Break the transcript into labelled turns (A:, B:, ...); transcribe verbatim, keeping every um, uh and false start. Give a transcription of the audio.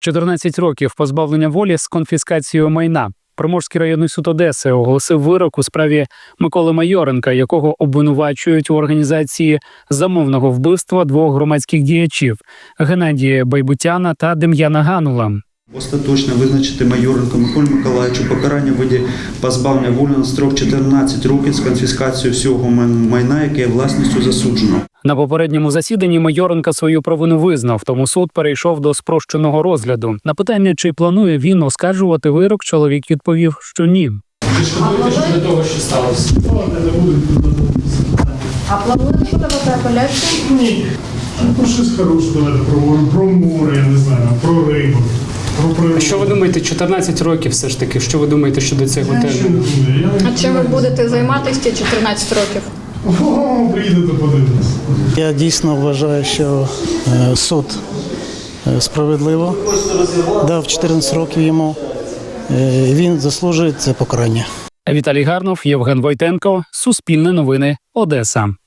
A: чотирнадцять років позбавлення волі з конфіскацією майна. Приморський районний суд Одеси оголосив вирок у справі Миколи Майоренка, якого обвинувачують у організації замовного вбивства двох громадських діячів – Геннадія Байбутяна та Дем'яна Ганула.
B: Остаточно визначити Майоренку Миколі Миколаївичу покарання в виді позбавлення волі на строк чотирнадцять років з конфіскацією всього майна, яке є власністю засудженого.
A: На попередньому засіданні Майоренка свою провину визнав, тому суд перейшов до спрощеного розгляду. На питання, чи планує він оскаржувати вирок, чоловік відповів, що ні.
C: Ви шкодуєте щодо того, що сталося?
D: А плануєте подавати апеляцію?
C: Ні. Ну, щось хороше давайте проговоримо. Про море, я не знаю, про рибу. Про
E: Що ви думаєте, чотирнадцять років все ж таки? Що ви думаєте щодо цього терміну?
D: А чим ви будете займатися ці чотирнадцять років?
C: О, приїдете подивитися.
F: Я дійсно вважаю, що суд справедливо дав чотирнадцять років йому. Він заслужує це покарання.
A: Віталій Гарнов, Євген Войтенко, Суспільне новини, Одеса.